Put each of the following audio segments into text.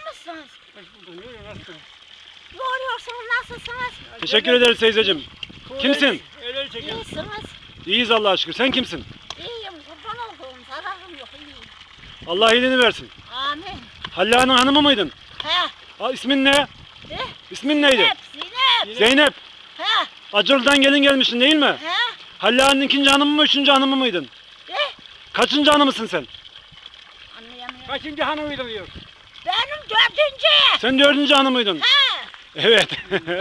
mısınız? Hoş bulduk. Nasılsınız? Yoruyorsunuz, nasılsınız? Teşekkür ederiz teyzeciğim. Kimsin? El çekelim. İyisiniz. İyiyiz Allah'a şükür. Sen kimsin? İyiyim, kurban olduğum, zararım yok, iyiyim. Allah iyiliğini versin. Amin. Halla'nın hanımı mıydın? He, İsmin ne? he, İsmin neydi? Zeynep. Zeynep. He, Acırlı'dan gelin gelmişsin değil mi? he, Halla'nın ikinci hanımı mı, üçüncü hanımı mıydın? he. Kaçıncı hanımısın sen? Anlayamıyorum. Kaçıncı hanımıydı diyor. Benim dördüncü. Sen dördüncü hanımıydın. He. Evet.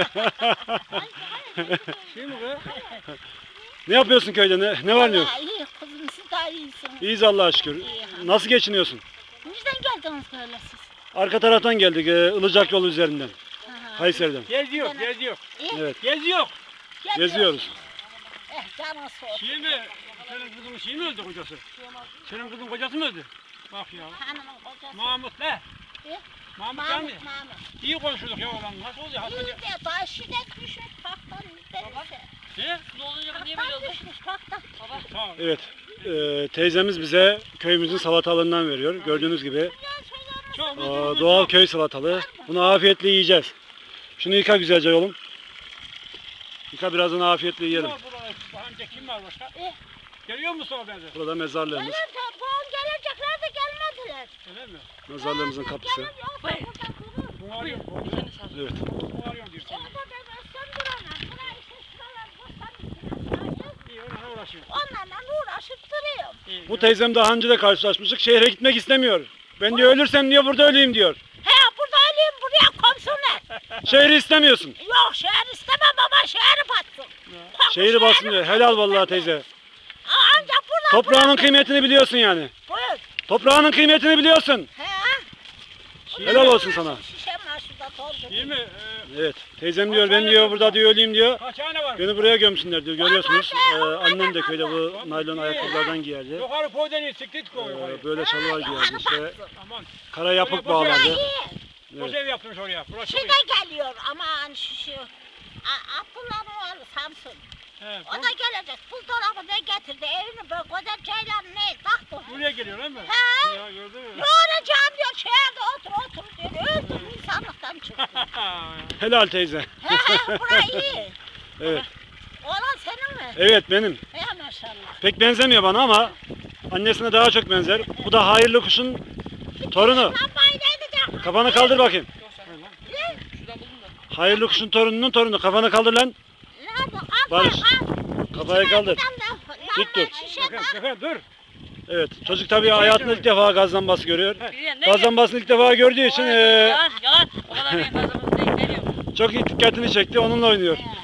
Şey mi bu? Ne yapıyorsun köyde? Ne var ne yok? Vallahi iyi kızım, siz daha iyisiniz. İyiyiz Allah'a şükür. Nasıl geçiniyorsun? Nereden geldiniz böyle siz? Arka taraftan geldik, Ilıcak yolu üzerinden. Kayseri'den. Geziyor, geziyor. Evet. Geziyor. Geziyoruz. Canı soğuk. Şey mi? Senin kızın şey mi öldü kocası? Senin kızın kocası mı öldü? Bak ya. Hanımın kocası. Mahmut ne? Mahmut değil mi? Mahmut. İyi konuşuyorduk ya oğlan. Nasıl oluyor? İyi Hakikaten. de taşı da düşmüş paktan denize. Ne? Paktan düşmüş paktan. Tamam. Evet. Teyzemiz bize köyümüzün salatalığından veriyor. Gördüğünüz gibi Çok doğal köy salatalığı. Bunu afiyetle yiyeceğiz. Şunu yıka güzelce oğlum. Yıka birazdan afiyetle yiyelim. Burada amca kim var başka? Geliyor mu sonra benzer? Burada mezarlığımız. Gelir de bugün gelecekler de gelmediler. Öyle mi? Mezarlığımızın kapısı. Gelir yok burada durur. Bunu arıyor. Evet. Bunu arıyor diyor. Orada demezsen duramam. Buraya işte şuralar boştan İyi onunla uğraşıyor. onlarla uğraşıp duruyorum. İyi. Bu teyzem daha önce de karşılaşmıştık. Şehre gitmek istemiyor. Ben diyor ölürsem diyor burada öleyim diyor. He burada öleyim buraya komşular. Şehri istemiyorsun. Yok şehir istemem baba şehri batsın. Komşu Şehri bassın diyor. Helal vallahi teyze. Ancak burada. Toprağının kıymetini biliyorsun yani. Buyur. Toprağının kıymetini biliyorsun. He. Helal olsun sana. Şişem var şurada doldu. İyi mi? Evet. Teyzem diyor ben diyor burada diyor öleyim diyor. Kaç tane var? Beni buraya gömsünler diyor. Görüyorsunuz. Annem de köyde bu naylon ayakkabılardan giyerdi. Yukarı poğdeni siklet koy. Böyle şalvar giyerdi işte. Aman. Kara yapık Buraya bağlardı. iyi. Boş ev yaptırmış oraya. Burası çok iyi. Şurada geliyor aman şu. Abdullah'ın oğlu Samsun. He, O da gelecek. Buzdolabı ne getirdi? Evini böyle güzel ceylan ne taktı. buraya geliyor değil mi? He. Ya gördün mü? Yoracağım diyor şehirde otur diyor. Öldüm insanlıktan çıktım. Helal teyze. He burası iyi. Evet. Oğlan senin mi? Evet benim. He maşallah. Pek benzemiyor bana ama annesine daha çok benzer. Bu da hayırlı kuşun torunu. Lambayı ne edeceğim? Kafanı kaldır bakayım. Hayırlı kuşun torununun torunu. Kafanı kaldır lan. Nerede? Barış. Kafayı kaldır. Dik dur. Efendim dur. Evet. Çocuk tabii hayatında ilk defa gaz lambası görüyor. Gaz lambasını ilk defa gördüğü için Yalan. O kadar benim fazlamız değil. Veriyorum. çok iyi dikkatini çekti. Onunla oynuyor.